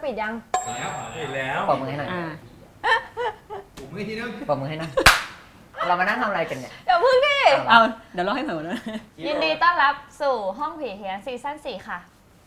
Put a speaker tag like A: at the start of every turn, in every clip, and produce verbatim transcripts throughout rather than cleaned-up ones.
A: ปิดยัง
B: แล้วปิดแล้ว
C: ปรบมือให้หน่อย
B: ผมไม่ที่นึง
C: ปรบมือให้หน่อยเรามานั่งทำอะไรกันเนี่ย
A: เดี๋ยวพึ่งดิ
D: เอาเดี๋ยวรอให้เหมือนนะ
A: ยินดีต้อนรับสู่ห้องผีเฮียนซีซั่นสี่ค่ะ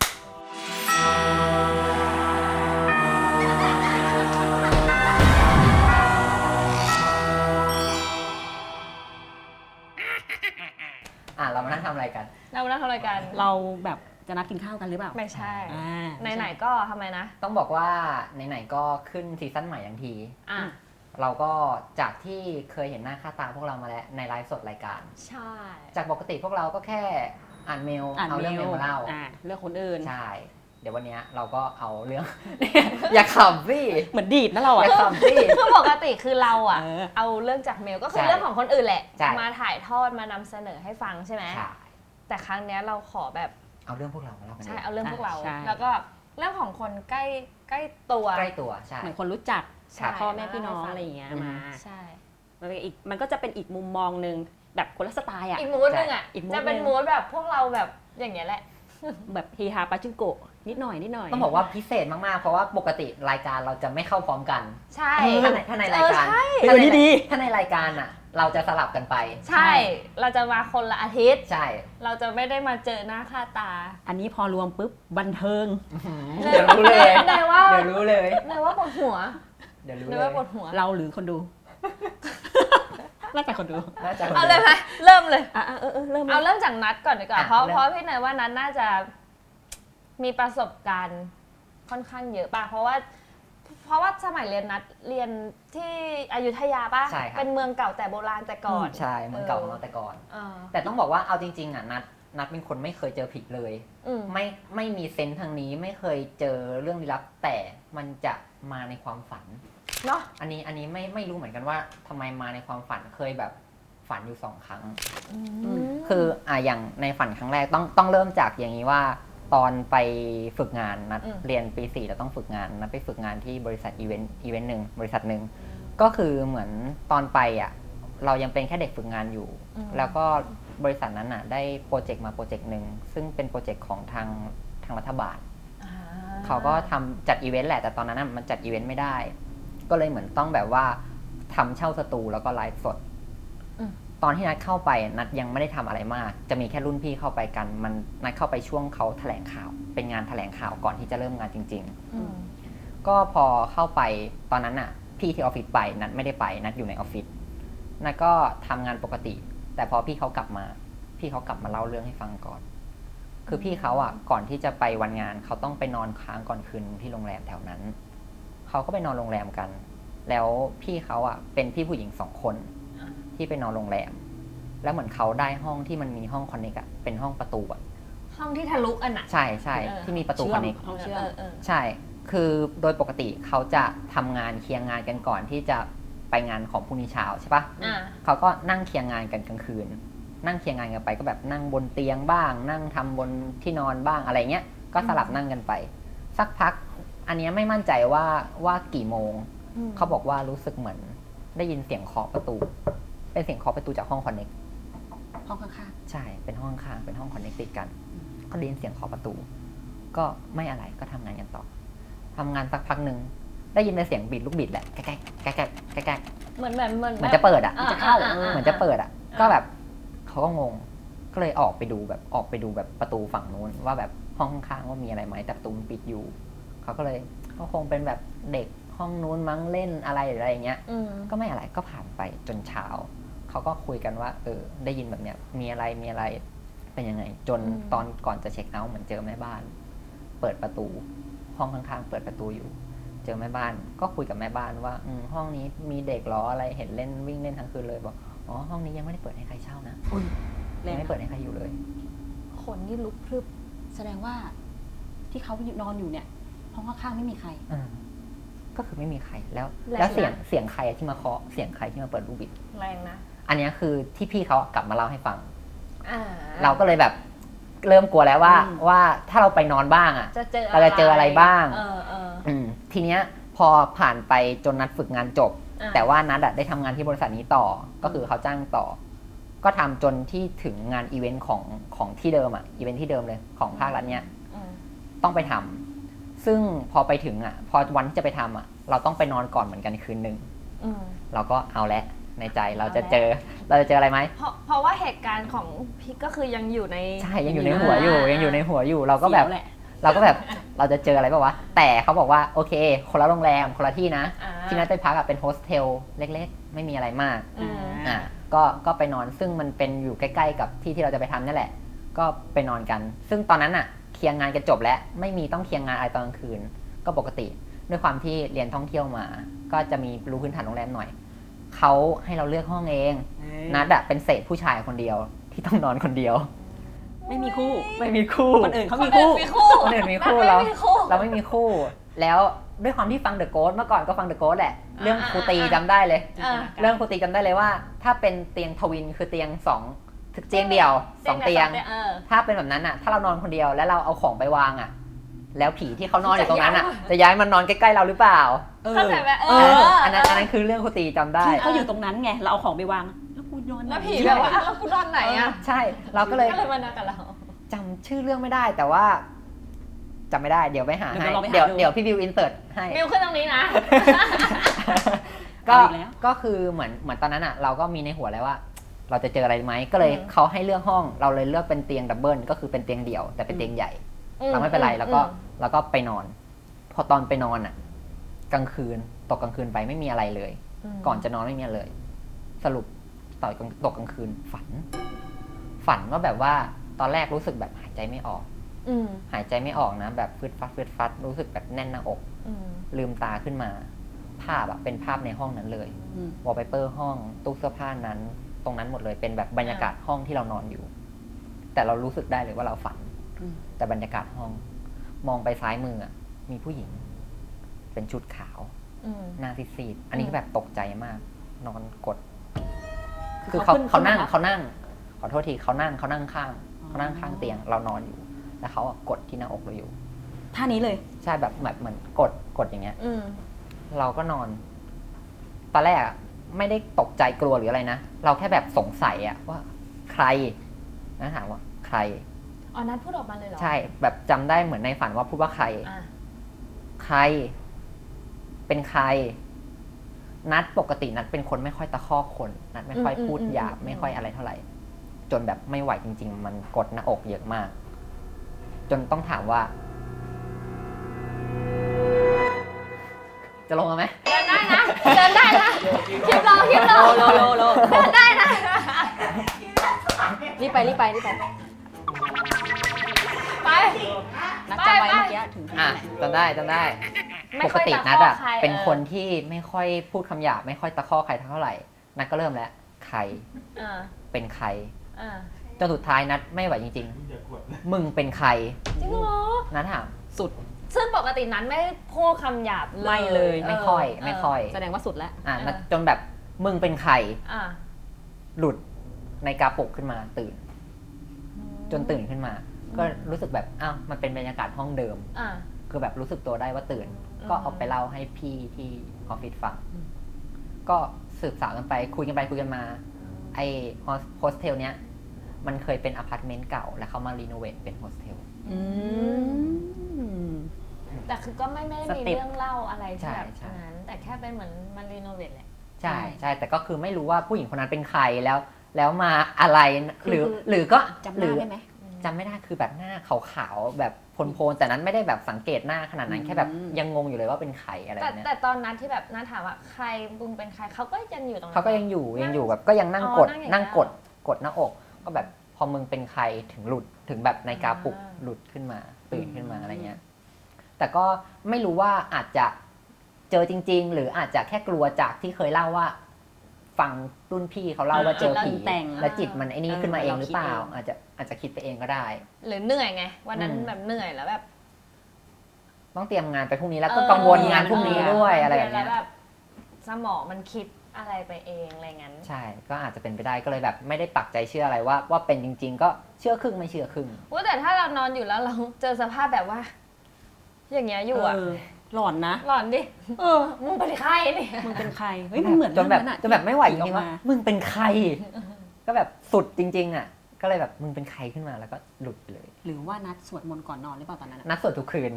C: อ่ะเรามานั่งทำอะไรกัน
A: เรามานั่งทำอะไรกัน
D: เราแบบจะนัดกินข้าวกันหรือเปล่า
A: ไม่ใช่
D: ไห
A: นๆก็ทำไมนะ
C: ต้องบอกว่าไหนๆก็ขึ้นซีซั่นใหม่ทันที
A: อ่ะ
C: เราก็จากที่เคยเห็นหน้าค่าตาพวกเรามาแล้วในไลฟ์สดรายการ
A: ใช่
C: จากปกติพวกเราก็แค่อ่านเมลเอาเรื่องเมลมาเล่า
D: เรื่องคนอื่น
C: ใช่เดี๋ยววันนี้เราก็เอาเรื่องอย่าขำสิ
D: เหมือนดีดนะเราอ่ะ
C: อย่าขำสิ
A: คือปกติคือเราอ่ะเอาเรื่องจากเมลก็คือเรื่องของคนอื่นแหละมาถ่ายทอดมานำเสนอให้ฟังใช่ไหมแต่ครั้งนี้เราขอแบบ
C: เอาเรื่องพวกเรามาเล่า
A: ใช่เอาเรื่องพวกเราแล้วก็เรื่องของคนใกล้ใกล้ตัว
C: ใกล้ตัวใช่
D: เหมือนคนรู้จักพ่อแม่พี่น้องอะไรอย่างเงี้ยมา
A: ใช่
D: มันเป็นอีกมันก็จะเป็นอีกมุมมองนึงแบบคนละสไตล์อ่ะ
A: อีกมูดนึงอ่ะจะเป็นมูดแบบพวกเราแบบอย่างเงี้ยแหละ
D: แบบเฮฮาปาจิงโกะนิดหน่อยนิดหน่อย
C: ต้องบอกว่าพิเศษมากๆเพราะว่าปกติรายการเราจะไม่เข้าพร้อมกัน
A: ใช่
C: ถ้าในถ้าในรายการ
D: ถ้าในดี
C: ถ้าในรายการอ่ะเราจะสลับกันไป
A: ใช่เราจะมาคนละอาทิตย์
C: ใช่
A: เราจะไม่ได้มาเจอหน้าค่าตา
D: อันนี้พอรวมปุ๊บบันเทิง
C: เดี๋ยวรู้เลย
A: เดี๋ยวว่า
C: เดี๋ยวรู้เลย
A: เดี๋ยวว่าปวดหัว
C: เดี๋ยวรู้
A: เลยว่าปวดหัว
D: เราหรือคนดูน่าจะคนดู
A: เอาเลยไหมเริ่มเลย
D: อ่ะเออเออเริ่ม
A: เอาเริ่มจากนัดก่อนดีกว่าเพราะเพราะพี่เนยว่านัดน่าจะมีประสบการณ์ค่อนข้างเยอะป่ะเพราะว่าเพราะว่าสมัยเรียนนัดเรียนที่อยุธยาป่ะเป็นเมืองเก่าแต่โบราณแต่ก่อน
C: ใช่เมืองเก่าของเราแต่ก่อนแต่ต้องบอกว่าเอาจริงๆอ่ะนัดนัดเป็นคนไม่เคยเจอผีเลยไม่ไม่มีเซนส์ทางนี้ไม่เคยเจอเรื่องลี้ลับแต่มันจะมาในความฝัน
A: เนาะ
C: อันนี้อันนี้ไม่ไม่รู้เหมือนกันว่าทำไมมาในความฝันเคยแบบฝันอยู่สองครั้งคืออ่ะอย่างในฝันครั้งแรกต้องต้องเริ่มจากอย่างนี้ว่าตอนไปฝึกงานนัดเรียนปีสี่เราต้องฝึกงานนัดไปฝึกงานที่บริษัทอีเวนต์อีเวนต์หนึ่งบริษัทหนึ่งก็คือเหมือนตอนไปอ่ะเรายังเป็นแค่เด็กฝึกงานอยู่แล้วก็บริษัทนั้นอ่ะได้โปรเจกต์มาโปรเจกต์หนึ่งซึ่งเป็นโปรเจกต์ของทางทางรัฐบาลเขาก็ทำจัดอีเวนต์แหละแต่ตอนนั้นมันจัดอีเวนต์ไม่ได้ก็เลยเหมือนต้องแบบว่าทำเช่าสตูแล้วก็ไลฟ์สดตอนที่นัดเข้าไปนัดยังไม่ได้ทำอะไรมากจะมีแค่รุ่นพี่เข้าไปกันมันนัดเข้าไปช่วงเขาแถลงข่าวเป็นงานแถลงข่าวก่อนที่จะเริ่มงานจริงๆก็พอเข้าไปตอนนั้นน่ะพี่ที่ออฟฟิศไปนัดไม่ได้ไปนัดอยู่ในออฟฟิศนัดก็ทำงานปกติแต่พอพี่เขากลับมาพี่เขากลับมาเล่าเรื่องให้ฟังก่อนคือพี่เขาอ่ะก่อนที่จะไปวันงานเขาต้องไปนอนค้างก่อนคืนที่โรงแรมแถวนั้นเขาก็ไปนอนโรงแรมกันแล้วพี่เขาอ่ะเป็นพี่ผู้หญิงสองคนที่ไปนอนโรงแรมแล้วเหมือนเขาได้ห้องที่มันมีห้องคอนเนคอะเป็นห้องประตูอะ
A: ห้องที่ทะลุอันน่ะ
C: ใช่ใช่ที่มีประตูคอนเนค
D: ห้องเชื่อม
C: ใช่คือโดยปกติเขาจะทำงานเคลียร์งานกันก่อนที่จะไปงานของพรุ่งนี้เช้าใช่ปะเขาก็นั่งเคลียร์งานกันกลางคืนนั่งเคลียร์งานกันไปก็แบบนั่งบนเตียงบ้างนั่งทำบนที่นอนบ้างอะไรเงี้ยก็สลับนั่งกันไปสักพักอันนี้ไม่มั่นใจว่าว่ากี่โมงเขาบอกว่ารู้สึกเหมือนได้ยินเสียงเคาะประตูเป็นเสียงเคาะประตูจากห้องคอนเนค
D: ห้องข้าง
C: ๆใช่เป็นห้องข้างเป็นห้องคอนเนคติดกันก็ได้ยินเสียงเคาะประตูก็ไม่อะไรก็ทำงานกันต่อทำงานสักพักหนึ่งได้ยินเป็นเสียงบีดลูกบิดแหละแก๊กแก๊กแก๊กแก๊ก
A: เหมือนแบบเหมือน
C: เหมือนจะเปิดอ่ะจะเข้าเหมือนจะเปิดอ่ะก็แบบเขาก็งงก็เลยออกไปดูแบบออกไปดูแบบประตูฝั่งนู้นว่าแบบห้องข้างๆว่ามีอะไรไหมแต่ประตูมันปิดอยู่เขาก็เลยก็คงเป็นแบบเด็กห้องนู้นมั้งเล่นอะไรหรืออะไรเงี้ยก็ไม่อะไรก็ผ่านไปจนเช้าเขาก็คุยกันว่าเออได้ยินแบบเนี้ยมีอะไรมีอะไรเป็นยังไงจนตอนก่อนจะเช็คเอาท์เหมือนเจอแม่บ้านเปิดประตูห้องข้างๆเปิดประตูอยู่เจอแม่บ้านก็คุยกับแม่บ้านว่าอืมห้องนี้มีเด็กล้ออะไรเห็นเล่นวิ่งเล่นทั้งคืนเลยบอกอ๋อห้องนี้ยังไม่ได้เปิดให้ใครเช่านะยังไม่เปิดให้ใครอยู่เลย
A: คนนี่ลุกพรึบ
D: แสดงว่าที่เขานอนอยู่เนี่ยห้องข้างๆไม่มีใคร
C: ก็คือไม่มีใครแล้วแล้วเสียงเสียงใครที่มาเคาะเสียงใครที่มาเปิดลูกบิด
A: แรงนะ
C: อันนี้คือที่พี่เขากลับมาเล่าให้ฟังเราก็เลยแบบเริ่มกลัวแล้วว่าว่าถ้าเราไปนอนบ้างอ่ะเราจะเจออะไรบ้างทีเนี้ยพอผ่านไปจนนัดฝึกงานจบแต่ว่านัดได้ทำงานที่บริษัทนี้ต่อก็คือเขาจ้างต่อก็ทำจนที่ถึงงานอีเวนต์ของของที่เดิมอ่ะอีเวนต์ที่เดิมเลยของภาครัฐเนี้ยต้องไปทำซึ่งพอไปถึงอ่ะพอวันที่จะไปทำอ่ะเราต้องไปนอนก่อนเหมือนกันคืนหนึ่ง
A: อืม
C: เราก็เอาละในใจเราจะ
A: เอาละ
C: เจอเราจะเจออะไรไหม
A: เพราะเพราะว่าเหตุการณ์ของพี่ก็คือยังอยู่ใน
C: ใช่ยังอยู่ในหัวอยู่
A: อ่ายั
C: ยังอยู่ในหัวอยู่เราก็แบบ
D: เสียวแหละ
C: เราก็แบบเราจะเจออะไรป่าวะแต่เขาบอกว่าโอเคคนละโรงแรมคนละที่นะ
A: อ่า
C: ที่นัดไปพักอะเป็นโฮสเทลเล็กๆ ไม่มีอะไรมาก
A: อืม
C: อ่ะก็ก็ไปนอนซึ่งมันเป็นอยู่ใกล้ๆกับที่ที่เราจะไปทำนี่แหละ ก็ไปนอนกัน ซึ่งตอนนั้นอะเคลียร์งานกันจบแล้วไม่มีต้องเคลียร์งานอะไรตอนกลางคืน ก็ปกติด้วยความที่เรียนท่องเที่ยวมา ก็จะมีรู้พื้นฐานโรงแรมหน่อยเขาให้เราเลือกห้องเองนัดอะเป็นเศษผู้ชายคนเดียวที่ต้องนอนคนเดียว
D: ไม่มีคู่
C: ไม่มีคู่
D: คนอื่นเขา
A: คน
D: มี
A: อื่
D: คู่
A: นมีคู่
C: คนอื่นมีคู่
A: นั
C: เรา
A: ดไม่มีคู่
C: เราไม่มีคู่ แล้วด้วยความที่ฟังเดอะโกสเมื่อก่อนก็ฟังเดอะโกสแหละ เรื่องครูตีจำได้เลย
A: อ่า
C: เรื่องครูตีจำได้เลยว่า ถ้าเป็นเตียงทวินคือเตียงสองเตียงเดี่ยวสองเตียง
A: เออ
C: ถ้าเป็นแบบนั้นอ่ะ ถ้าเรานอนคนเดียวแล้วเราเอาของไปวางอ่ะ แล้วผีที่เขานอนอยู่ตรงนั้นอ่ะ จะย้ายมันนอนใกล้ๆเราหรือเปล่า
D: เออ
A: เข้าใจไหมเอ
C: เอ
A: อ
C: ออันนั้นอันนั้นคือเรื่องครูตีจำได้
D: ที่เขาอยู่ตรงนั้นไงเราเอาของไปวางแล้วกูนอนไหน
A: แล้วผีแบบว่าอ้าวคุณนอนไหนอ่ะ
C: ใช่ เราก็เลย
A: ก็เลยมานอนกับเรา
C: จำชื่อเรื่องไม่ได้แต่ว่าจำไม่ได้เดี๋ยวไปหาให้
D: เดี๋
C: เดี๋
D: ย
C: ยว ว
D: เราไปหาดู
C: เดี๋ยวพี่วิวอินเสิร์ตให้
A: มิวขึ้นตรงนี้นะ
C: ก็
D: เอาอีกแล้ว
C: ก็คือเหมือนเหมือนตอนนั้นอ่ะเราก็มีในหัวแล้วว่า เราจะเจออะไรไหมก็เลย
A: อืม
C: เขาให้เลือกห้องเราเลยเลือกเป็นเตียงดับเบิลก็คือเป็นเตียงเดี่ยวแต่เป็นเตียงใหญ่ เราไม่เป็นไรแล้วก็แล้วก็ไปนอน พอตอนไปนอนอ่ะ กลางคืนตกกลางคืนไปไม่มีอะไรเลย
A: ม
C: ก่อนจะนอนไม่มีอะไรเลย สรุปต่อยตกกลางคืนฝัน ฝันว่าแบบว่าตอนแรกรู้สึกแบบหายใจไม่ออก
A: อืม
C: หายใจไม่ออกนะ แบบฟืดฟัดฟืดฟัดรู้สึกแบบแน่นหน้าอก
A: อืม
C: ลืมตาขึ้นมา ภาพอะเป็นภาพในห้องนั้นเลย
D: อืม
C: วอลเปเปอร์ห้องตู้เสื้อผ้านั้น ตรงนั้นหมดเลยเป็นแบบบรรยากาศห้องที่เรานอนอยู่ แต่เรารู้สึกได้เลยว่าเราฝัน
D: อืม
C: แต่บรรยากาศห้อง มองไปซ้ายมืออะมีผู้หญิง เป็นชุดขาว
A: อืม
C: หน้าซีดๆอันนี้
A: อืม
C: ก็แบบตกใจมาก นอนกด
D: คื
C: คือ
D: อ
C: เขา
D: เขาขึ้น
C: เขานั่ง
D: ขึ้นมา
C: เขานั่ง ขอโทษทีเขานั่งเขานั่งข้าง
D: อ๋อ
C: เขานั่งข้างเตียงเรานอนอยู่ แล้วเขาอะกดที่หน้าอกเราอยู่
D: ท่านี้เลย
C: ใช่แบบแบบเหมือนกดกดอย่างเงี้ย
A: อืม
C: เราก็นอน ตอนแรกอะไม่ได้ตกใจกลัวหรืออะไรนะ เราแค่แบบสงสัยอะว่าใครนะถามว่าใคร
A: อ๋อนัดพูดออกมาเลยเหรอ
C: ใช่แบบจำได้เหมือนในฝันว่าพูดว่าใคร
A: อ่ะ
C: ใคร เป็นใคร นัดปกตินัดเป็นคนไม่ค่อยตะคอกคน นัดไม่ค่อยพูดหยาบไม่ค่อยอะไรเท่าไหร่ จนแบบไม่ไหวจริง ๆ มันกดหน้าอกเยอะมาก จนต้องถามว่า จะลงมาไหม
A: เดินได้นะเดินได้นะคลิปรอคลิปรอ
D: โลโลโล
A: เดินได้นะ
D: รีบไปรีบไปรีบไป
A: ไป
D: นัดจำไว้เมื่อกี้ถึง
C: อ่ะจำได้จำได้
A: ไม่
C: ปก
A: ค่อย
C: ติ
A: ตะค
C: นัด
A: อก
C: อ่ะ
A: ใคร
C: เป็น
A: ออ
C: คนที่ไม่ค่อยพูดคำหยาบไม่ค่อยตะคอกใครเท่าไหร่ นัดก็เริ่มแล้ว ใคร
A: อ่า
C: เป็นใคร
A: อ่า
C: จนสุดท้ายนัดไม่ไหวจริง
B: อย่ากด
C: ๆ มึงเป็นใคร
A: จริงเหรอ
C: นัดถาม
D: สุด
A: ซึ่งปกตินั้นไม่พูดคำหยาบเลย
D: ไม่เลย
C: ไม่ค่อยไม่ค่อย
D: แสดงว่าสุดแล้ว
C: อ่ะ
A: เออ
C: นัดจนแบบมึงเป็นใคร
A: อ่า
C: หลุดในกาปลุกขึ้นมาตื่น จนตื่นขึ้นมา ก็รู้สึกแบบอ้าวมันเป็นบรรยากาศห้องเดิม
A: อ่า
C: คือแบบรู้สึกตัวได้ว่าตื่น
A: อืม
C: ก็เอาไปเล่าให้พี่ที่ออฟฟิศฟัง
D: อืม
C: ก็สืบสาวกันไปคุยกันไปคุยกันมา ไอโฮสเทลเนี้ยมันเคยเป็นอพาร์ตเมนต์เก่า แล้วเขามารีโนเวทเป็นโฮสเทล
D: อืม
A: แต่คือก็ไม่ไม่ได้มี
D: สเต็ป
A: เรื่องเล่าอะไร
C: ใช่
A: ที่แบบ
C: ใช่
A: นั้น แต่แค่เป็นเหมือนมันรีโนเวทแหละ
C: ใช่
D: ใช่
C: ใช่แต่ก็คือไม่รู้ว่าผู้หญิงคนนั้นเป็นใครแล้ว แล้วมาอะไร
D: คือ
C: หรือ
D: คือ
C: หรือก็
D: จำห
C: หรื
D: น้า
C: อ
D: ได้ไหม
C: จำไม่ได้คือแบบหน้าขาวๆแบบโพลนๆแต่นั้นไม่ได้แบบสังเกตหน้าขนาดนั้น
D: อืม
C: แค่แบบยังงงอยู่เลยว่าเป็นใครอะไร
A: แต่
C: แบบเนี้ย
A: แต่ตอนนั้นที่แบบน้าถามว่าใครบุงเป็นใครเขาก็ยังอยู่ตรงนั้น
C: เขาก็ยังอยู่ยังอยู่แบบก็ยังนั่ง
A: อ๋อก
C: ด
A: นั่งอย่างเงี้ย
C: นั่งกดกดหน้าอก ก็แบบพอมึงเป็นใครถึงหลุดถึงแบบในกาปลุก
A: อ่า
C: หลุดขึ้นมาตื่นขึ้นมา
D: อืม
C: อะไรเงี้ย แต่ก็ไม่รู้ว่าอาจจะเจอจริง ๆ หรืออาจจะแค่กลัวจากที่เคยเล่าว่า ฟังรุ่นพี่เขาเล่าว่าเจอผี
D: แล้วแต่ง
C: แล้วจิตมันไอ้นี่
D: เออ
C: ขึ้นมาเอง
D: เรา
C: หรือเปล่า
D: คิดเอง
C: อาจจะอาจจะคิดไปเองก็ได้
A: หรือเหนื่อยไง วันนั้น
C: อืม
A: แบบเหนื่อยแล้วแบบ
C: ต้องเตรียมงานไปพรุ่งนี้แล้ว
A: เอ
C: ก็
A: อ
C: กังวลงานพรุ่งนี้ด้วยอะไรแบบ
A: แล้
C: เนี้
A: วย แบบสมองมันคิดอะไรไปเองอะไรงั้น
C: ใช่ ก็อาจจะเป็นไปได้ก็เลยแบบไม่ได้ปักใจเชื่ออะไรว่า ว่าเป็นจริง ๆ ก็เชื่อครึ่งไม่เชื่อครึ่ง
A: ว่าแต่ถ้าเรานอนอยู่แล้วเราเจอสภาพแบบว่า อย่างเงี้ยอยู่อ่ะ
D: เหลอนนะ
A: หลอนดิ
D: เออ
A: มึงเป็นใครเนี่ย
D: มึงเป็นใคร เฮ้ย มันเหมือน
C: จนแบบ
D: เรื่องอะ
C: จนแบบไม่ไหวจ
D: ที่
C: ริงๆว่า
D: ออกมา
C: มึงเป็นใคร ก็แบบสุดจริง ๆ อ่ะ ก็เลยแบบมึงเป็นใครขึ้นมาแล้วก็หลุดไปเลย
D: หรือว่านัดสวดมนต์ก่อนนอนหรือเปล่าตอนนั้นอะ
C: นัดสวดทุกคืน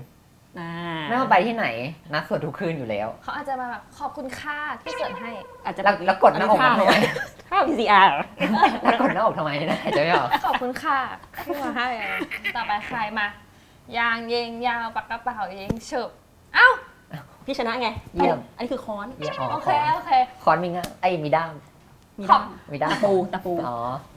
D: อ่า
C: ไม่ว่าไปที่ไหนนัดสวดทุกคืนอยู่แล้ว
A: เขาอาจจะมาแบบขอบคุณค่าที่เกิดให้
D: อาจจะ
C: แล้วแล้วกดหน้าอกมาทำไม
D: ท่า พี ซี อาร์
C: แล้วกดหน้าอกทำไมนะหายใจไม่ออก
A: ขอบคุณค่ะที่มาให้อะไรต่อไปใครมายางยิงยาวปากกระเป๋ายิงฉุบเอ้า
D: พี่ชนะไง
C: เยี่ยม
D: อันนี้คือค้อน
C: เยี่ยมอ๋อ
A: โอ
C: ค
A: เค
C: อน
A: โอเค
C: คอนมีง่ามไอ้ยมีด้าม
D: มี
A: ขอ
D: ด้า
A: บ
D: ม
C: มีด้าม
D: ตะปูตะปู
C: อ๋อ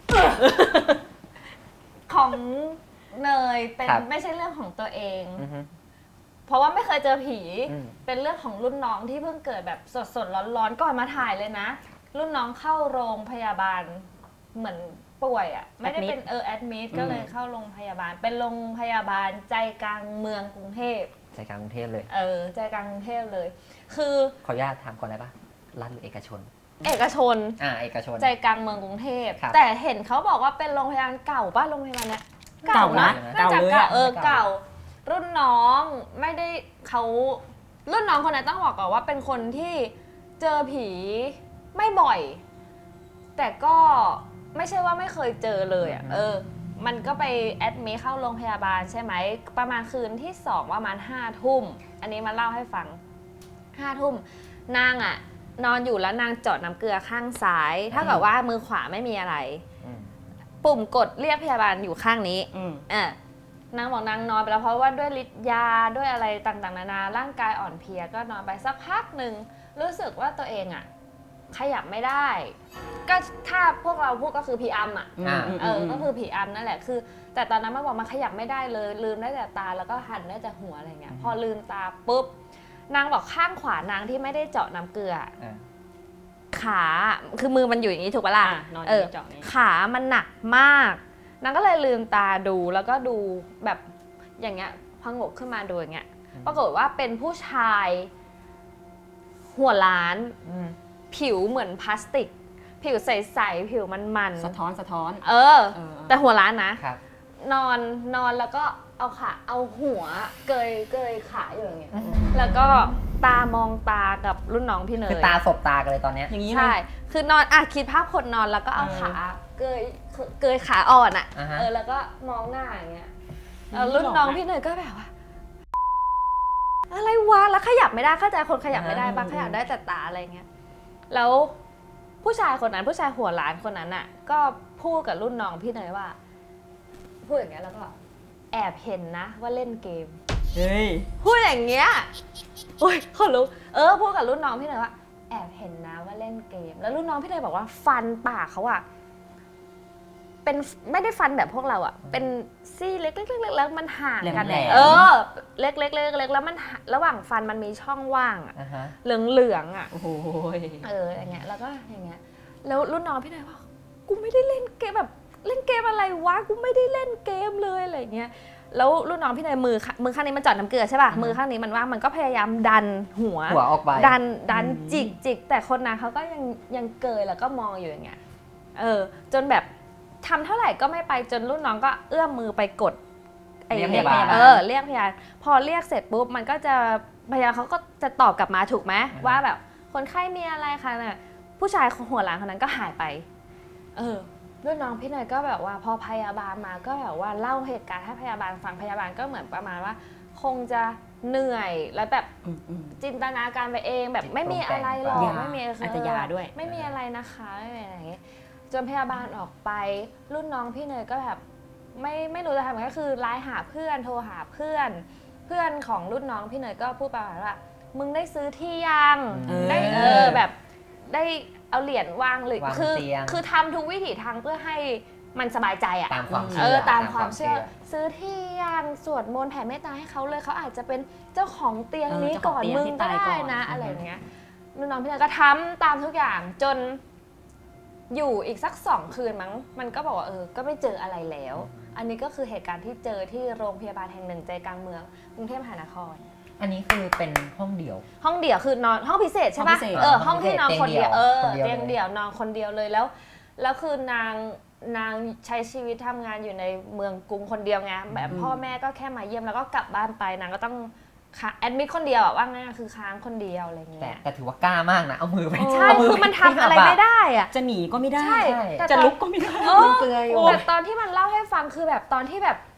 A: ของเนยเป็น
C: ครับ
A: ไม่ใช่เรื่องของตัวเอง
C: อือฮึ
A: เพราะว่าไม่เคยเจอผี
C: อืม
A: เป็นเรื่องของรุ่นน้องที่เพิ่งเกิดแบบสดๆร้อนๆก่อนมาถ่ายเลยนะ รุ่นน้องเข้าโรงพยาบาลเหมือนป่วยอะ่ะไม่ได้เป็นเออแอดมิดก็เลยเข้าโรงพยาบาล เป็นโรงพยาบาลใจกลางเมืองกรุงเทพ
C: ใจกลางกรุงเทพเลย
A: เออใจกลางกรุงเทพเลย คือ
C: ขออนุญาตถามก่อนได้ปะรัฐหรือเอกชน
A: เอกชน
C: อ่าเอกชน
A: ใจกลางเมืองกรุงเทพ
C: ครับ
A: แต่เห็นเขาบอกว่าเป็นโรงพยาบาลเก่าป่ะโรงพยาบาลเนี้ย
D: เก่านะ
A: น่าจะ
D: เก่าเลย
A: เก่า
D: อะ
A: เออเก่า รุ่นน้องไม่ได้เขารุ่นน้องคนนั้นต้องบอกก่อนว่าเป็นคนที่เจอผีไม่บ่อย แต่ก็ไม่ใช่ว่าไม่เคยเจอเลยอ่ะ
C: อืม
A: เออ มันก็ไปแอดมิทเข้าโรงพยาบาลใช่ไหมประมาณคืนที่สองประมาณห้าทุ่มอันนี้มาเล่าให้ฟังห้าทุ่มนางอ่ะ นอนอยู่แล้วนางเจาะน้ำเกลือข้างซ้ายถ้าเกิดว่ามือขวาไม่มีอะไร
C: อืม
A: ปุ่มกดเรียกพยาบาลอยู่ข้างนี้
D: อืม
A: อ่ะนางบอกนางนอนไปแล้วเพราะว่าด้วยฤทธิ์ยาด้วยอะไรต่างๆนานาร่างกายอ่อนเพลียก็นอนไปสักพักหนึ่งรู้สึกว่าตัวเองอ่ะขยับไม่ได้ ก็ถ้าพวกเราพูดก็คือผีอำอ่ะ
C: อ่า
A: เออก็คือผีอำนั่นแหละคือ แต่ตอนนั้นมันบอกมันขยับไม่ได้เลย ลืมได้แต่ตาแล้วก็หันได้แต่หัวอะไรเงี้ยพอลืมตาปุ๊บนางบอกข้างขวานางที่ไม่ได้เจาะน้ำเกลือ
C: อ่า
A: ขาคือมือมันอยู่อย่างนี้ถูกปะล่ะ
D: อ่ะนอน
A: เออ
D: เจาะนี่
A: ขามันหนักมากนางก็เลยลืมตาดูแล้วก็ดูแบบอย่างเงี้ยพองกขึ้นมาดูอย่างเงี้ย
C: อืม
A: ปรากฏว่าเป็นผู้ชายหัวล้าน
C: อืม
A: ผิวเหมือนพลาสติก ผิวใสๆผิวมัน
D: สะท้อนสะท้อน
A: ๆเออ
D: เออ
A: แต่หัวล้านนะ
C: ครับ
A: นอนนอนแล้วก็เอาขาเอาหัวเกยเกยขาอยู่อย่างเงี้ย
C: อืม
A: แล้วก็ตามองตากับรุ่นน้องพี่เนย
C: คือตาสบตากันเลยตอนเนี้ย
D: อย่างนี้เล
A: ใช่
D: ย
A: คือนอนอ่ะคิดภาพคนนอนแล้วก็เอา
D: เออ
A: ขาเกยเกยขาอ่อนอ่ะ
C: อ่าฮะ
A: เออแล้วก็มองหน้าอย่างเงี้ย
D: อืม
A: แล้วรุ่นน้องพี่เนยก็แบบว่า อะไรวะแล้วขยับไม่ได้เข้าใจคนขยับไม่ได้ปะขยับได้แต่ตาอะไรเงี้ยแล้วผู้ชายคนนั้นผู้ชายหัวล้านคนนั้นอ่ะ ก็พูดกับรุ่นน้องพี่เนยว่า พูดอย่างเงี้ยแล้วก็แอบเห็นนะว่าเล่นเกม
D: เฮ้ย
A: พูดอย่างเงี้ยโอ้ยคนรู้เออพูดกับรุ่นน้องพี่เนยว่าแอบเห็นนะว่าเล่นเกม แล้วรุ่นน้องพี่เนยบอกว่าฟันปากเขาอะเป็นไม่ได้ฟันแบบพวกเราอะเป็นซี่เล็กๆๆแล้วมันห่างกัน
C: แหลมๆ
A: เออ เล็กๆๆๆแล้วมันห่าระหว่างฟันมันมีช่องว่างอะ
C: อ่าฮะ
A: เหลืองๆอะ
D: โอ้โห
A: เอออย่างเงี้ยแล้วก็อย่างเงี้ยแล้วรุ่นน้องพี่เนยว่ากูไม่ได้เล่นเกมแบบเล่นเกมอะไรวะกูไม่ได้เล่นเกมเลยอะไรเงี้ย แล้วรุ่นน้องพี่เนยมือข้างมือข้างนี้มันเจอดน้ำเกลือใช่ป่ะ
C: อือฮึ
A: มือข้างนี้มันว่างมันก็พยายามดันหัว
C: หัวออกไป
A: ดันดัน
D: อืม
A: จิกจิกแต่คนนั้นเขาก็ยังยังเกยแล้วก็มองอยู่อย่างเงี้ยเออ จนแบบทำเท่าไหร่ก็ไม่ไปจนรุ่นน้องก็เอื้อมมือไปกดไอ้
C: เรียกพยาบาล
A: เออเรียกพยาบาลพอเรียกเสร็จปุ๊บมันก็จะพยาบาลเขาก็จะตอบกลับมาถูกไหมว่าแบบคนไข้มีอะไรคะเนี่ยผู้ชายหัวหลังคนนั้นก็หายไป เออ รุ่นน้องพี่เนยก็แบบว่าพอพยาบาลมาก็แบบว่าเล่าเหตุการณ์ให้พยาบาลฟังพยาบาลก็เหมือนประมาณว่า คงจะเหนื่อยแล้วแบบ
D: อืมอืม
A: จินตนาการไปเองแบบไม่มีอะไรหรอก
D: ยา
A: ไม่มี
D: อาจจะยาด้วย
A: ไม่มีอะไรนะคะไม่มีอะไรอย่างเงี้ยจนพยาบาลออกไปรุ่นน้องพี่เนยก็แบบไม่ไม่รู้จะทำยังไงก็คือไลน์หาเพื่อนโทรหาเพื่อน เพื่อนของรุ่นน้องพี่เนยก็พูดประมาณว่ามึงได้ซื้อที่ยัง
C: เออ
A: ได้เออแบบได้เอาเหรียญวางหรือ
C: วาง
A: คือ
C: เตียง
A: คือทำทุกวิถีทางเพื่อให้มันสบายใจอะ
C: ตามความ
A: เอ
C: เชื่อ
A: อตามความเชื่อ ซื้อที่ยังสวดมนต์แผ่เมตตาให้เขาเลยเขาอาจจะเป็นเจ้าของเตียง
D: เออ
A: นี้
D: เจ้าข
A: ก่
D: อง
A: อน
D: เตียง
A: มึง
D: ที่
A: ก็
D: ตาย
A: ได้
D: ก่อน
A: นะ
D: อือฮึ
A: อะไรอย่างเงี้ยรุ่นน้องพี่นายก็ทำตามทุกอย่างจนอยู่อีกสักสองคืนมั้งมันก็บอกว่าเออก็ไม่เจออะไรแล้ว อันนี้ก็คือเหตุการณ์ที่เจอที่โรงพยาบาลแห่งหนึ่งใจกลางเมืองกรุงเทพมหานคร
C: อันนี้คือเป็นห้องเดี่ยว
A: ห้องเดี่ยวคือนอนห้องพิเศษใช่
D: ห้
A: ปะ
D: องพิเศษ
A: เออ
C: ห้
A: ห้
C: อ
A: อง ง
C: พิเศษ
A: ที่นอนคนเดียว
C: เตี
A: เอย
C: ง
A: อ
C: เดี่ยว
A: เตียงเดี่ยวนอนคนเดียวเลยแล้วแล้วคือนางนางใช้ชีวิตทำงานอยู่ในเมืองกรุงคนเดียวไงแบบ
D: อืม
A: พ่อแม่ก็แค่มาเยี่ยมแล้วก็กลับบ้านไปนางก็ต้องค้าแอดมิดคนเดียวอะว่าง่ายๆคือค้างคนเดียวอะไร
C: แต่
A: เงี้ย
C: แต่ถือว่ากล้ามากนะ เอามือไป
A: ใช่
C: เา
A: คือมันทำอะไรไม่ได้อะ
D: จะหนีก็ไม่ได้
A: ใช่แต่
D: จะ
A: ตอน
D: ลุกก็ไม่ได้
A: เออ
C: เปลือยอยู่
A: แต่ตอนที่มันเล่าให้ฟังคือแบบตอนที่แบบ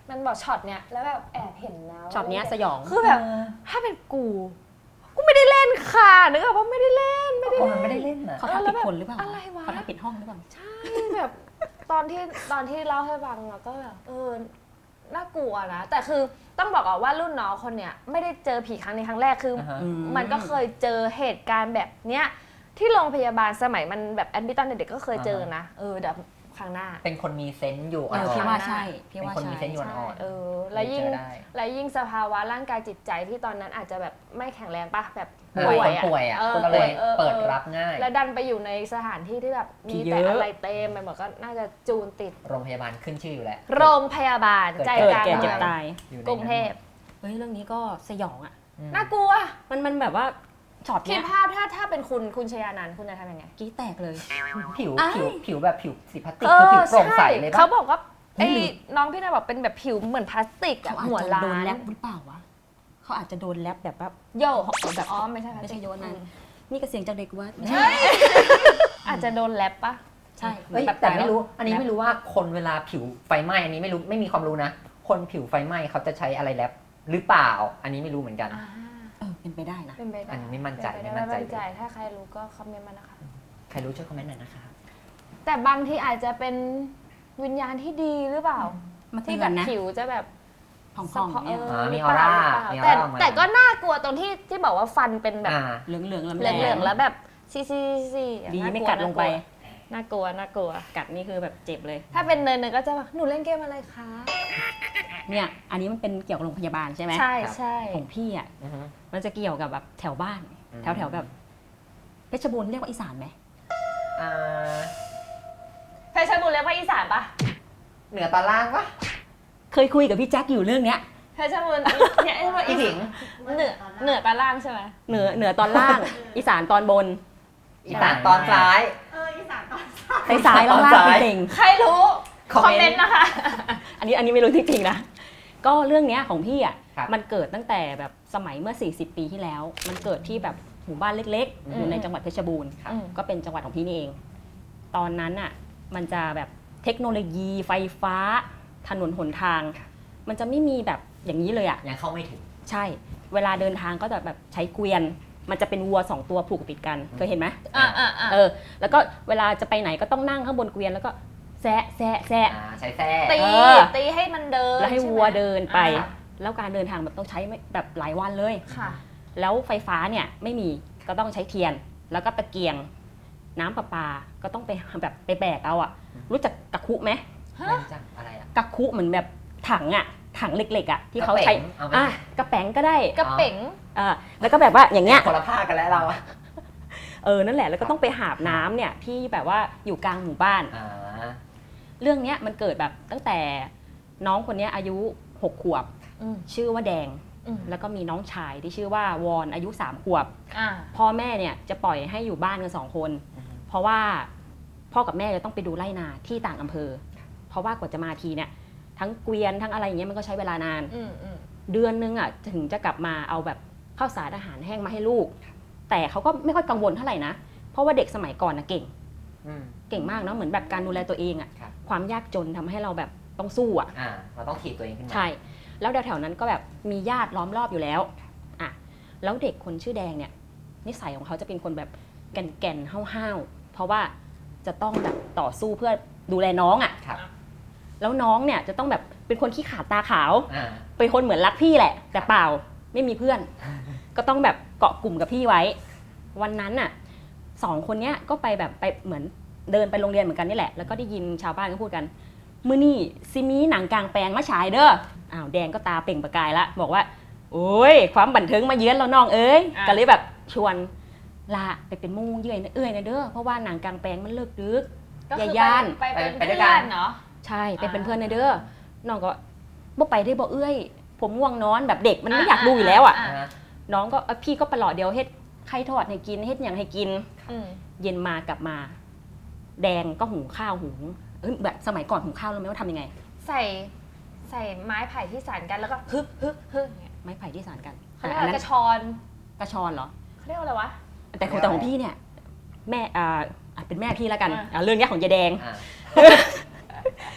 A: มันบอกช็อตเนี้ยแล้วแบบแอบเห็นนะ
D: ช็อตเนี้ยสยอง
A: คือแบบถ้าเป็นกูกูไม่ได้เล่นค่ะนึกออกว่าไม่ได้เล่นไม่ได้
C: คนมันไม่ได้เล่นนะ
D: เขาทำผิดคนหรือเปล่า
A: อะไรวะ
D: เขาทำผิดห้องหรือเปล่า
A: ใช่แบบตอนที่ตอนที่เล่าให้ฟังเราก็แบบเออน่ากลัวนะแต่คือต้องบอกก่อนว่ารุ่นน้องคนเนี้ยไม่ได้เจอผีครั้งนี้ครั้งแรกคืออ
C: อืม
A: มันก็เคยเจอเหตุการณ์แบบเนี้ยที่โรงพยาบาลสมัยมันแบบแอดมิตตอนเด็กๆก็เคยเจอนะเออเดี๋ยวครั้งหน้า
C: เป็นคนมีเซนส์อยู่อ่
D: เออ
C: อ
D: พี่
C: น
D: ว่าใช่
C: ๆ
D: พี่
C: เป็น
D: ว่า
C: คนมี
D: ใช่
C: เซนส์อยู่
A: ใช่
C: อ่อน
A: เออแล้วยิ่ง
C: เจอได้
A: แล้วยิ่งสภาวะร่างกายจิตใจที่ตอนนั้นอาจจะแบบไม่แข็งแรงป่ะแบบ
C: ๆ
A: ป่วย
C: คน
A: อะ
C: ป่วยอ่ะ
A: ออ
C: ก็เลย
A: ออ
C: เปิด
A: ออ
C: รับง่าย
A: แล้วดันไปอยู่ในสถานที่ที่แบบมีแต่อะไรเต็มไปหมดก็น่าจะจูนติด
C: โรงพยาบาลขึ้นชื่ออยู่แล้ว
A: โรงพยาบาลใจ
D: เกิด
A: กลาง
D: แก่
A: เมื
D: เจ็บ
A: อง
D: ตาย
C: อยู่ใน
A: กรุงเทพ
D: เฮ้ยเรื่องนี้ก็สยองอ่ะ
C: อืม
A: น่ากลัว
D: มันมันแบบว่าช็อต
A: คิด
D: เนี้ย
A: ภาพถ้าถ้าเป็นคุณคุณชยานันท์คุณจะทำยังไง
D: กี้แตกเลย
C: ผิว
D: อ้าย
C: ผิวผิวแบบผิวสีพลาสติกคือผิวโปร่งใสเลย
A: เขา
C: ปะ
A: บอกว่า
D: เฮ้
A: ไอ้
D: ยหรือ
A: น้องพี่นายบอกเป็นแบบผิวเหมือนพลาสติก
D: เขา
A: อะ
D: อาจ
A: หัว
D: จะ
A: ล้า
D: โดนแล
A: น
D: บหรือเปล่าวะเขาอาจจะโดนแลบแบบว่า
A: โย
D: แบบ
A: อ๋อไม่ใช่พลาส
D: ไม่
A: ติ
D: ใช่
A: ก
D: โยนนะ
A: อืม
D: นี่ก็เสียงจากเด็กว่าไม่ใช่
A: อาจจะโดนแลบปะ
D: ใช่
C: เฮ้ย
D: แบบ
C: แต่ไม่รู้
D: ล้ว
C: อันนี้ไม่รู้ว่าคนเวลาผิวไฟไหม้อันนี้ไม่รู้ไม่มีความรู้นะ คนผิวไฟไหม้เขาจะใช้อะไรแรปหรือเปล่า อันนี้ไม่รู้เหมือนกัน
A: อ่า
D: เออเป็นไปได้นะ
A: เป็นไปได้
C: อันนี้ไม่มั่นใจ
A: เป็ปด้
C: ไม่มั่นใจ
A: ไม่มั่นใจถ้าใครรู้ก็คอมเมนต์มานะคะ
C: ใครรู้ช่วยคอมเมนต์หน่อยนะคะ
A: แต่บางทีอาจจะเป็นวิญญาณที่ดีหรือเปล่า
D: มา
A: ที่
D: เตื
A: แบ
D: อน
A: บ
D: นะ
A: ผิวจะแบบ
D: ผ่อง
A: สะ
D: ๆ
A: พอ
D: เนี่ย
A: เอ
C: อ่ามี
A: หรืเปล่
C: ออร่า
A: หรื
C: มี
A: เปล่
C: ออร่าออกมา
A: แต่แต่ก็น่ากลัวตรงที่ที่บอกว่าฟันเป็นแบบ
C: อ่า
D: เหลืองเหลืองๆลำ
A: เหลืองๆแล้วแบบซีซีซี
D: ดีไม่กัดลงไป
A: น่ากลัวน่ากลัว
D: กัดนี่คือแบบเจ็บเลย
A: ถ้าเป็นเนยเนยก็จะแบบหนูเล่นเกมอะไรคะ
D: เนี่ย อันนี้มันเป็นเกี่ยวกับโรงพยาบาลใช่ไหม
A: ใช่ใช่
D: ของพี่อ่ะ
C: อือฮึ
D: มันจะเกี่ยวกับแบบแถวบ้าน
C: อืม
D: แถวแถวๆแบบเพชรบูรณ์เรียกว่าอีสานไหม
C: อ่า
A: เพชรบุรีเรียกว่าอีสานปะ
C: เหนือตอนล่างปะ
D: เคยคุยกับพี่แจ็คอยู่เรื่องเนี้ย
A: เพชรบุรีเนี่ยเรียกว่า
C: อี
A: อี
C: ผิง
A: เหนือเหนือตาล่างใช่ไหม
D: เหนือเหนือตอนล่าง อีสานตอนบน
C: อีสานตอนซ้าย
D: ไปซ้ายแล้วล่าง
C: ตอนซ้าย
D: จริง
A: ใครรู้ค
C: ค
A: อ
C: อ
A: ม
C: ม
A: เม
C: เม
A: น
C: นต์
A: ต์นะคะ
D: ๆอันนี้อันนี้ไม่รู้จริงๆนะ ก็เรื่องเนี้ยของพี่อ่ะ
C: ครับ
D: มันเกิดตั้งแต่แบบสมัยเมื่อ สี่สิบ ปีที่แล้ว มันเกิดที่แบบหมู่บ้านเล็กๆ
C: อืม
D: อยู่ในจังหวัดเพชรบูรณ์
C: ครับ
A: อืม
D: ก็เป็นจังหวัดของพี่นี่เอง ตอนนั้นอ่ะมันจะแบบเทคโนโลยีไฟฟ้า ถนนหนทาง มันจะไม่มีแบบอย่างนี้เลยอ่ะ
C: ยังเข้าไม่ถึง
D: ใช่ เวลาเดินทางก็จะแบบใช้เกวียน มันจะเป็นวัวสองตัวผูกติดกัน เคยเห็นไหม
A: อ่าอ่าอ่า
D: เออ แล้วก็เวลาจะไปไหนก็ต้องนั่งข้างบนเกวียนแล้วก็แซะแซะแซะ
C: อ่าใช้แส้
A: ตี
D: เออ
A: ตีให้มันเดิน
D: แล้วให้
A: ช่ไม
D: วัวเดินไป
A: อ่า
D: แล้วการเดินทางแบบต้องใช้ไม่แบบหลายวันเลย
A: ค่ะ
D: แล้วไฟฟ้าเนี่ยไม่มีก็ต้องใช้เทียน แล้วก็ตะเกียง น้ำประปาก็ต้องไปแบบไปแบกเอาอะรู้จักกะคุไหม
A: ฮะ
C: ไม่รู้จักอะไรอ่ะ
D: กะคุเหมือนแบบถังอะถังเล็กๆอะที่เขาใช้
C: กระเป๋งเอาไหม
D: อ่ะกระแป๋งก็ได้
A: กระเป๋ง
D: อ่าแล้วก็แบบว่าอย่างเงี้ย
C: คนละภาคกันแล้วเราอะ
D: เออนั่นแหละแล้วก็ต้องไปหาบน้ำเนี่ยที่แบบว่าอยู่กลางหมู่บ้าน
C: อ่า
D: เรื่องเนี้ยมันเกิดแบบตั้งแต่น้องคนเนี้ยอายุหกขวบ
A: อืม
D: ชื่อว่าแดง
A: อืม
D: แล้วก็มีน้องชายที่ชื่อว่าวอนอายุสามขวบ
A: อ่า
D: พ่อแม่เนี่ยจะปล่อยให้อยู่บ้านกันสองคน เพราะว่าพ่อกับแม่จะต้องไปดูไร่นาที่ต่างอำเภอ เพราะว่ากว่าจะมาทีเนี่ยทั้งเกวียนทั้งอะไรอย่างเงี้ยมันก็ใช้เวลานาน
A: อืมอืม
D: เดือนนึงอ่ะถึงจะกลับมาเอาแบบข้าวสารอาหารแห้งมาให้ลูก แต่เขาก็ไม่ค่อยกังวลเท่าไหร่นะ เพราะว่าเด็กสมัยก่อนนะเก่ง
C: อืม
D: เก่งมากเนาะเหมือนแบบการดูแลตัวเองอ่ะ
C: ครับ
D: ความยากจนทำให้เราแบบต้องสู้อ่ะ
C: อ่า เราต้องถีบตัวเองขึ้นมา
D: ใช่ แล้วแถวๆนั้นก็แบบมีญาติล้อมรอบอยู่แล้วอ่ะแล้วเด็กคนชื่อแดงเนี่ยนิสัยของเขาจะเป็นคนแบบแก่นๆห้าวๆเพราะว่าจะต้องแบบต่อสู้เพื่อดูแลน้องอ่ะ
C: ครับ
D: แล้วน้องเนี่ยจะต้องแบบเป็นคนขี้ขลาดตาขาว
C: อ่า
D: เป็นคนเหมือนรักพี่แหละ แต่เปล่าไม่มีเพื่อน ก็ต้องแบบเกาะกลุ่มกับพี่ไว้ วันนั้นน่ะสองคนเนี้ยก็ไปแบบไปเหมือนเดินไปโรงเรียนเหมือนกันนี่แหละแล้วก็ได้ยินชาวบ้านก็พูดกันมื้อนี่ซิมีหนังกลางแปลงมาฉายเด้ออ้าวแดงก็ตาเปล่งประกายละบอกว่าโอ้ยความบันเทิงมาเยือนเราน้องเอ้ยก็เลยแบบชวนลาไปเป็นมู่เยื่อยนะเอ้ยนะเด้อเพราะว่าหนังกลางแปลงมันเลิกดึก
A: ก็คือ
D: อย่าย่าน
A: ไปเป็น
C: ไปด้วย
A: เพื่
C: กั
A: อน นเนาะ
D: ใช่ไปเป็น
A: อ่า
D: เพื่อนนะเด้อน้องก็บ่ไปได้บ่เอ้ยผมง่วงนอนแบบเด็กมันไม่อยากดูอยู่แล้วอ่ะ
A: อ่า
C: อ่า
D: น้องก็เอ้ยพี่ก็ประหลอดเดียวเฮ็ดไข่ทอดให้กินเฮ็ดอย่างให้กิน
A: อืม
D: เย็นมากลับมา แดงก็หุงข้าวหุงเอ้ยแบบสมัยก่อนหุงข้าวรู้ไหมว่าทำยังไง
A: ใส่ใส่ไม้ไผ่ที่สานกันแล้วก็ฮึกฮึกฮึกอย่างเงี้ย
D: ไม้ไผ่ที่สานกัน
A: เขาเรียก
D: อั
A: อะไร
D: นนั้
A: ก
D: น
A: ระชอน
D: กระชอนเหรอ
A: เขาเรียกว่าอะไรวะ
D: แต่ของแต่ของพี่เนี่ย แม่อ่าอ่ะเป็นแม่พี่แล้วกันอ่ะเรื่องเนี้ยของยายแดง
C: อ่า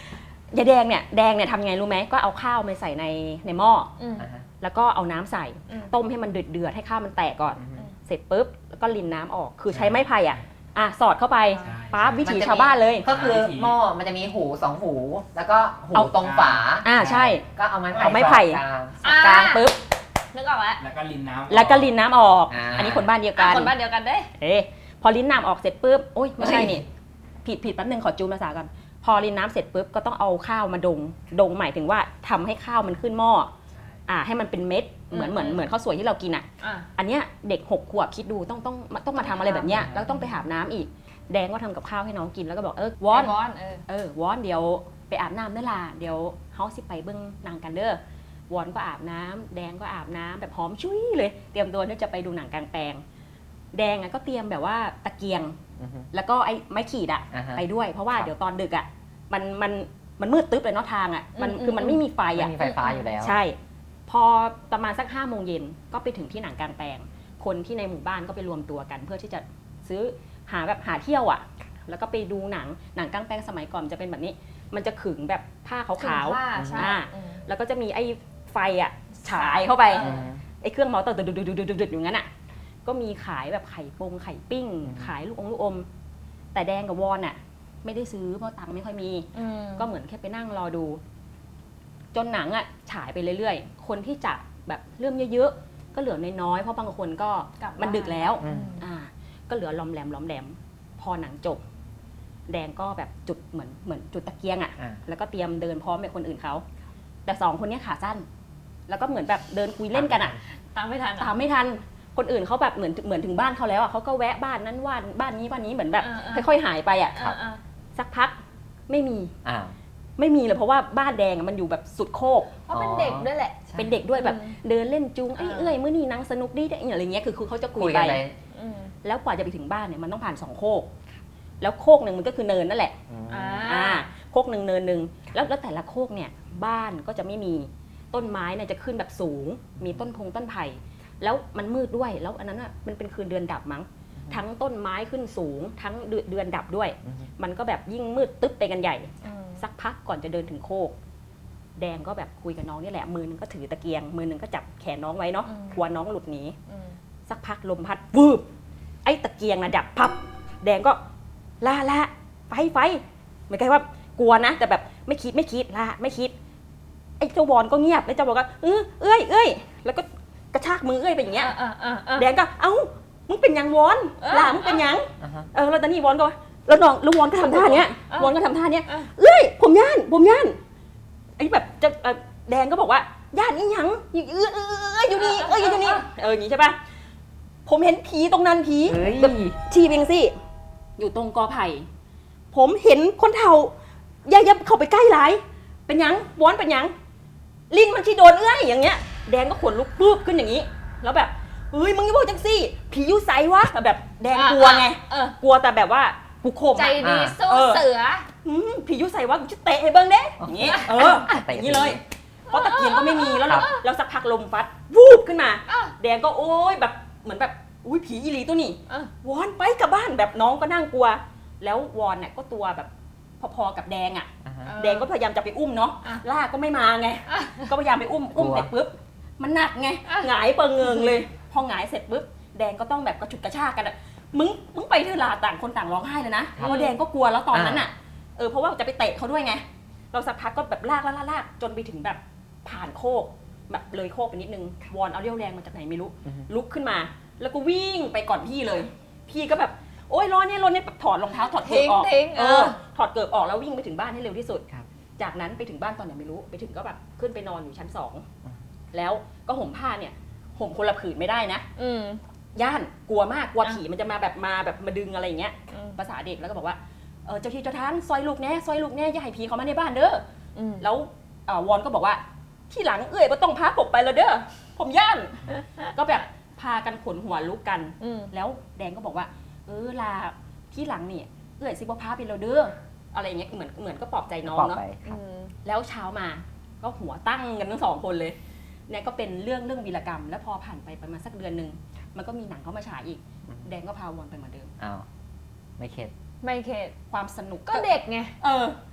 D: ยายแดงเนี่ยแดงเนี่ยทำไงรู้ไหมก็เอาข้าวมาใส่ในในหม้อ
A: อืม
C: อ่าฮะ
D: แล้วก็เอาน้ำใส่
A: อืม
D: ต้มให้มันเดือดเดือดๆให้ข้าวมันแตกก่อน
C: อือฮึ
D: เสร็จปุ๊บแล้วก็รินน้ำออกคือใช้ไม้ไผ่อ่ะอ่ะสอดเข้าไป
B: ใช่
D: ปั๊บวิถี
C: มันจะมี
D: ชาวบ้านเลย
C: ก็คือ
B: วิธี
C: หม้อมันจะมีหูสองหู แล้วก็หู
D: เอา
C: ตรงฝา
D: อ่าใช่
C: ก็เอาไม้ไผ่
D: เอาไม้ไผ่
C: สอดกลาง
D: สอดกลางปุ๊บ
A: นึกออกแล้ว
B: แล้วก็รินน้ำ
D: แล้วก็รินน้ำออก
C: อ่า
D: อันนี้คนบ้านเดียว
A: อ่ะ
D: กัน
A: คนบ้านเดียวกันเด้
D: เอ๊ะพอรินน้ำออกเสร็จปุ๊บโอ๊ยไม่ใช่นี่ผิดผิดแป๊บนึงขอจูนภาษาก่อนพอรินน้ำเสร็จปุ๊บก็ต้องเอาข้าวมาดงดงหมายถึงว่าทำให้ข้าวมันขึ้นหม้ออ่าให้มันเป็นเม็ดเหมือนเหมือนเหมือนข้าวสวยที่เรากินอ่ะ
A: อ่ะ
D: อันเนี้ยเด็กหกขวบคิดดูต้องต้องต้องมาทำอะไรแบบเนี้ยแล้วต้องไปอาบน้ำอีก แดงก็ทำกับข้าวให้น้องกินแล้วก็บอกเออวอน
A: วอนเออ
D: เออวอนเดี๋ยวไปอาบน้ำเด้อล่ะเดี๋ยวเฮาสิไปเบิ่งหนังกันเด้อวอนก็อาบน้ำแดงก็อาบน้ำแบบหอมชุยเลยเตรียมตัวที่จะไปดูหนังกลางแปลง แดงอ่ะก็เตรียมแบบว่าตะเกียง
C: อือฮึ
D: แล้วก็ไอ้ไม้ขีดอ่ะ
C: อ่าฮะ
D: ไปด้วย เพราะว่า
C: ครับ
D: เดี๋ยวตอนดึกอ่ะมันมันมันมืดตึ๊บเลยเนาะทางอ่ะมัน
A: อืม
D: คือมันไม่มีไฟ
C: ไม่
D: อ่ะ
C: มีไฟฟ้าอยู่แล้ว
D: ใช่ พอประมาณสักห้าโมงเย็นก็ไปถึงที่หนังกลางแปลง คนที่ในหมู่บ้านก็ไปรวมตัวกัน เพื่อที่จะซื้อหาแบบหาเที่ยวอ่ะ แล้วก็ไปดูหนังหนังกลางแปลงสมัยก่อนจะเป็นแบบนี้ มันจะขึงแบบผ้าขาว
A: ขาวใช่
D: อ่า
A: อืม
D: ๆแล้วก็จะมีไอ้ไฟอ่ะฉายเข้าไป
A: เออ
D: ไอ้เครื่องมอเตอร์ดุดๆๆๆๆอย่างนั้นอ่ะก็มีขายแบบไข่ปงไข่ปิ้ง
C: อืม
D: ขายลูกอมลูกอม แต่แดงกับวอนอ่ะ ไม่ได้ซื้อเพราะตังค์ไม่ค่อยมี
A: อืม
D: ก็เหมือนแค่ไปนั่งรอดู จนหนังอ่ะฉายไปเรื่อยๆ คนที่จะแบบเริ่มเยอะๆ ก็เหลือน้อยๆ เพราะบางคนก็
A: กลับบ้าน
D: มันดึกแล้ว
C: อืม
D: อ่า ก็เหลือล้อมแหลมล้อมแหลม พอหนังจบ แดงก็แบบจุดเหมือนเหมือนจุดตะเกียงอ่ะ
C: อ่า
D: แล้วก็เตรียมเดินพร้อมกับคนอื่นเขา แต่สองคนเนี้ยขาสั้น แล้วก็เหมือนแบบเดินคุยเล่นกันอ่ะ
A: ตามไม่ทัน
D: ตามไม่ทัน คนอื่นเขาแบบเหมือนเหมือนถึงบ้านเขาแล้วอ่ะเขาก็แวะบ้านนั้นว่านบ้านนี้บ้านนี้เหมือนแบบ
A: เออเออ
D: ค่อยๆหายไปอ่ะ
A: อ่ะอ่ะ
D: สักพักไม่มี
C: อ้าว
D: ไม่มีเลยเพราะว่าบ้านแดงอะมันอยู่แบบสุดโคก
A: เพราะเป็นเด็กด้วยแหละ
C: ใช่
D: เป็นเด็กด้วยแบบ
A: อืม
D: เดินเล่นจูงไอ้
A: อ่า
D: เอ้ยมื้อนี้นังสนุกดีได้อะไรเงี้ยคือคือเขาจะคุ
C: คุ
D: ย
C: ย
D: ไป
C: กันไป
A: อืม
D: แล้วกว่าจะไปถึงบ้านเนี่ยมันต้องผ่านสองโคก แล้วโคกหนึ่งมันก็คือเนินนั่นแหละ
C: อืม
A: อ่า
D: อ่าโคกหนึ่งเนินหนึ่งแล้วแล้วแต่ละโคกเนี่ยบ้านก็จะไม่มีต้นไม้เนี่ยจะขึ้นแบบสูง มีต้นพงต้นไผ่แล้วมันมืดด้วยแล้วอันนั้นอ่ะมันเป็นคืนเดือนดับมั้งทั้งต้นไม้ขึ้นสูง ทั้งเดือนเดือนดับด้วย
C: อืม
D: มันก็แบบยิ่งมืดตึ๊บไปกันใหญ่
A: อืม
D: สักพักก่อนจะเดินถึงโคก แดงก็แบบคุยกับน้องนี่แหละ มือนึงก็ถือตะเกียง มือนึงก็จับแขนน้องไว้เนาะกลัวน้องหลุดหนี
A: อืม
D: สักพักลมพัดวืบไอ้ตะเกียงนะดับพับ แดงก็ล่าละไฟไฟเหมือนกันว่ากลัวนะ แต่แบบไม่คิดไม่คิดล่าไม่คิด ไอ้เจ้าวอนก็เงียบไอ้เจ้าวอนก็เออเอ้ยเอ้ยแล้วก็กระชากมือเอ้ยไปอย่างเงี้ย
A: อ่ะอ่ะอ่ะ
D: แดงก็เอ้ามึงเป็นยังวอน
A: เออ
D: ล่ามึงเป็นยัง
C: อ่าฮะ
D: เออแล้วตอนนี้วอนก็ว่าแล้วน้องแล้ววอนก็ทำท่าเนี้ย
A: เออ
D: วอนก็ทำท่าเนี้ย
A: เออ
D: เอ้ยผมย่านผมย่านไอ้แบบจะเอ่อแดงก็บอกว่าย่านอีหยังอยู่เออเออเอออยู่นี่เอออยู่นี่เอออย่างงี้ใช่ปะผมเห็นผีตรงนั้นผี
C: เฮ้ย
D: แบบชีเบียงสิอยู่ตรงกอไผ่ผมเห็นคนเฒ่าอย่าอย่าเข้าไปใกล้หลายเป็นหยังวอนเป็นหยังลิงมันที่โดนเอ้ยอย่างเงี้ย แดงก็ขนลุกปุ๊บขึ้นอย่างนี้ แล้วแบบเฮ้ยมึงอย่าบอกจังสิผีอยู่ไสวะแบบแดงกลัวไง
A: เออก
D: ลัวแต่แบบว่ากูข่ม
A: ใจ
D: อะ
A: ดีสู้
D: เออ
A: เสือ
D: อืมผียุใส่ว่ากูจะเตะให้เบิ้งเด้อย่างงี้เอออย่างนี้เลย เพราะตะเกียงก็ไม่มีแล้ว
C: ครับ
D: แล้วสักพักลมพัดวูบขึ้นมา
A: อ่ะ
D: แดงก็โอ๊ยแบบเหมือนแบบอุ้ยผีอีหลีตัวนี้
A: เออ
D: วอนไปกลับบ้านแบบน้องก็นั่งกลัว แล้ววอนเนี่ยก็ตัวแบบพอๆกับแดงอ่ะ
C: อ่าฮะ
A: เออ
D: แดงก็พยายามจะไปอุ้มเนาะ
A: อ่ะ
D: ล่าก็ไม่มาไง
A: อ่ะ
D: ก็พยายามไปอุ้มอุ้ม
C: กลัว
D: เสร็จปุ๊บมันหนักไง
A: อ่ะ
D: หงายเปิงเงิงเลย พอหงายเสร็จปุ๊บแดงก็ต้องแบบกระฉุดกระชากกันอะมึงมึงไปเถอะลาต่างคนต่างร้องไห้เลยนะเพราะว่าแดงก็กลัวแล้วตอนนั้นอ่ะเออเพราะว่าจะไปเตะเขาด้วยไง เราสักพักก็แบบลากลากลากลากจนไปถึงแบบผ่านโคกแบบเลยโคกไปนิดนึงวอนเอาเรี่ยวแรงมาจากไหนไม่รู้
C: อือฮึ
D: ลุกขึ้นมา แล้วก็วิ่งไปก่อนพี่เลย พี่ก็แบบโอ๊ยร้อนเนี่ยร้อนเนี่ยแบบถอดรองเท้าถอดเกิบออก
A: ทิ้งๆ
D: เอ
A: เอ
D: อ
A: อ
D: ถอดเกิบออกแล้ววิ่งไปถึงบ้านให้เร็วที่สุด
C: ครับ
D: จากนั้นไปถึงบ้านตอนไหนไม่รู้ไปถึงก็แบบขึ้นไปนอนอยู่ชั้นสอง
C: อืม
D: แล้วก็ห่มผ้าเนี่ยห่มคนละผืนไม่ได้นะ
A: อืม
D: ย่านกลัวมากกลัว
A: อ่ะ
D: ผีมันจะมาแบบมาแบบมาดึงอะไรอย่างเงี้ย
A: อืม
D: ภาษาเด็กแล้วก็บอกว่าเออเจ้าที่เจ้าทางซอยลูกแน่ซอยลูกแน่อย่าให้ผีเขามาในบ้านเด้อ
A: อืม
D: แล้วเอ่อวอนก็บอกว่าที่หลังเอ้ยบ่ต้องพาผมไปแล้วเด้อผมย่าน ก็แบบพากันขนหัวลุกกัน
A: อืม
D: แล้วแดงก็บอกว่า เออลาที่หลังเนี่ยเอ้ยสิบ่พาไปแล้วเด้ออะไรอย่างเงี้ยเหมือนเหมือนก็ปลอบใจน้อง
C: ปลอบ
D: เนาะ
C: ไปครับ
A: อืม
D: แล้วเช้ามาก็หัวตั้งกันทั้งสองคนเลยเนี่ยก็เป็นเรื่องเรื่องวีรกรรม แล้วพอผ่านไปประมาณสักเดือนหนึ่งมันก็มีหนังเข้ามาฉายอีก
C: อืม
D: แดงก็พาวอนไปเหมือนเดิม
C: อ้าวไม่เข็ด
A: ไม่เข็ด
D: ความสนุก
A: ก็เด็กไง
D: เออ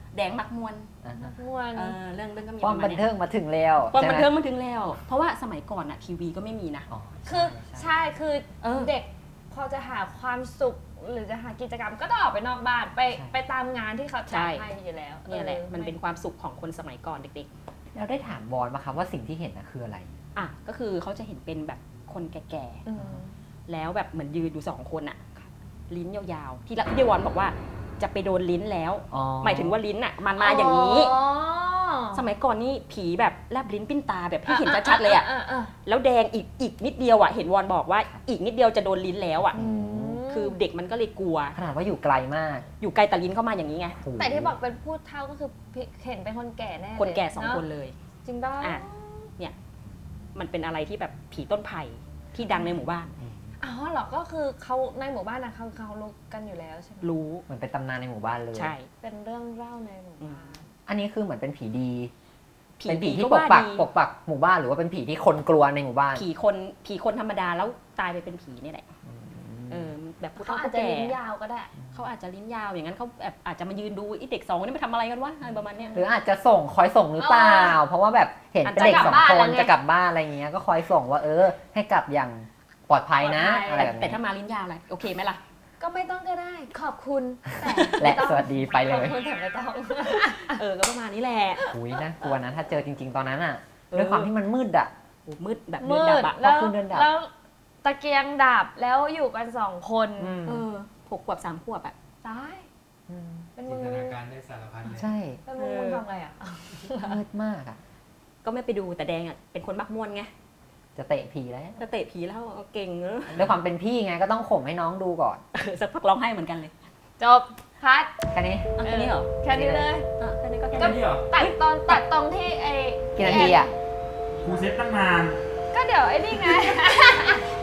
D: แดงมักมวน
C: อ่าฮะ
A: ม่วน
D: เออเรื่องเรื่องก็มี
C: ความ
D: ประ
C: บั
D: มาณ
C: น
D: เนี้ย
C: เทิงมาถึงแล้ว
D: ความ
C: ใช่
D: บัน
C: ไห
D: เทิงมาถึงแล้ว เพราะว่าสมัยก่อนอะทีวีก็ไม่มีนะ
C: อ๋อ
A: คือ
C: ใช่
A: ใช่คือ
D: เออ
A: เด็กพอจะหาความสุขหรือจะหากิจกรรมก็ต้องออกไปนอกบ้านไปไปตามงานที่เขาจัดให้อยู่แล้ว
D: เนี่ยแหละ
A: ออ
D: มันเป็นความสุขของคนสมัยก่อนเด็ก
C: เราได้ถามบอลมาครับว่าสิ่งที่เห็นนะคืออะไร
D: ๆอ่ะก็คือเขาจะเห็นเป็นแบบคนแก่
A: อืม
D: ๆแล้วแบบเหมือนยืนอยู่สองคนอะลิ้นยาวๆที่ละพี่วอนบอกว่าจะไปโดนลิ้นแล้ว
C: อ๋อ
D: หมายถึงว่าลิ้นอะมันมาอย่างนี้
A: อ๋อ
D: สมัยก่อนนี่ผีแบบแลบลิ้นปิ้นตาแบบที่เห็นชัดๆเลยอะ
A: าา
D: แล้วแดงอีกอีกนิดเดียวอะเห็นวอนบอกว่าอีกนิดเดียวจะโดนลิ้นแล้วอะ
A: อืม
D: คือเด็กมันก็เลยกลัว
C: ขนาดว่าอยู่ไกลมาก
D: อยู่ไกลแต่ลิ้นเข้ามาอย่างนี้ไง
C: โอ้โห
A: แต่ที่บอกเป็นพูดเท่าก็คือเห็นเป็นคนแก่แน่เลย
D: คนแก่สอง
A: เะ
D: คนเลย
A: จริงป่ะ
D: อ่ะ เนี่ยมันเป็นอะไรที่แบบผีต้นไผ่ที่ดังในหมู่บ้าน
A: อ๋อเหรอก็คือเขาในหมู่บ้านนะเขาเขารู้กันอยู่แล้วใช่ไหม
D: รู้
C: เหมือนเป็นตำนานในหมู่บ้านเลย
D: ใช่
A: เป็นเรื่องเล่าในหมู่บ้าน
C: อันนี้คือเหมือนเป็นผีดี
D: ผี
C: เป็นผีที่
D: ก็
C: ปก
D: ว่า
C: ปัก
D: ดี
C: ปกปักหมู่บ้านหรือว่าเป็นผีที่คนกลัวในหมู่บ้าน
D: ผีคนผีคนธรรมดาแล้วตายไปเป็นผีนี่แหละเออแบบผู้
A: เขา
D: เฒ่า
A: อาจ
D: ผู้
A: จะ
D: แก่
A: ลิ้นยาวก็ได้
D: เขาอาจจะลิ้นยาวอย่างนั้นเขาแบบอาจจะมายืนดูไอ้เด็กสองคนนี้มาทำอะไรกันวะอะไรประมาณเนี้ย
C: หรืออาจจะส่งคอยส่งหรือเปล่า
A: เออ
C: เพราะว่าแบบเห็นเป็นเด็ก
A: อาจจะ
C: สอง
A: กลับบ้าน
C: คน
A: แล้วไง
C: จะกลับบ้านอะไรเงี้ยก็คอยส่งว่าเออ ให้กลับอย่างปลอดภัยนะ
A: ปลอดภัย
C: อะไร
D: แต่
C: แบบ
D: แต่
C: นี้
D: ถ้ามาลิ้นยาวอะไรโอเคไหมล่ะ
A: ก็ไม่ต้องก็ได้ ขอบคุณแต่
C: และ
A: ไม่ต้อง
C: สวัสดีไปเล
A: ขอบ
C: ย
A: คุณแต่ไม่ต้อง
D: เออก็ประมาณนี้แหละ
C: อุ้ยน่ากลัวนะถ้าเจอจริง ๆ ตอนนั้นอ่ะ
D: เออ
C: ด้วยความที่มันมืดอ่ะ
D: โอ้มืดแบบเดิ
A: มื
D: นดั
A: ด
D: บอะ
A: แล้ว
C: พอคืนเดินดับ
A: แล้วตะเกียงดับแล้วอยู่กันสองคน
C: อืม
D: เออหกขวบสามขวบอะ
A: ตาย
C: ม
A: เป็น
B: จิ
A: มึ
B: น
A: ง
B: ตนาการได้สารพัดเลย
C: ใช่
A: เป็นมึงมึงทำไงอ่ะ
C: มืดมากอ่ะ
D: ก็ไม่ไปดูแต่แดงอะเป็นคนมักม่วนไง
C: จะเตะผีแล้ว
D: จะเตะผีแล้วเอาเก่งเนอะ
C: ด้วยความเป็นพี่ไงก็ต้องข่มให้น้องดูก่อน
D: เออสักพักร้องไห้เหมือนกันเลย
A: จบคัด
C: แค่นี้
D: อ่ะแค่นี้เหรอ
A: แค่นี้เลย
D: อ่ะแค่นี้ก็แค่
B: ก็
D: นี้
B: นี่เหรอ
A: ตัดตอนตัดตรงที่ไอ้
C: กี่นาทีอ่ะ
B: ครูเซ็ตตั้งนาน
A: ก็เดี๋ยวไอ้นี่ไง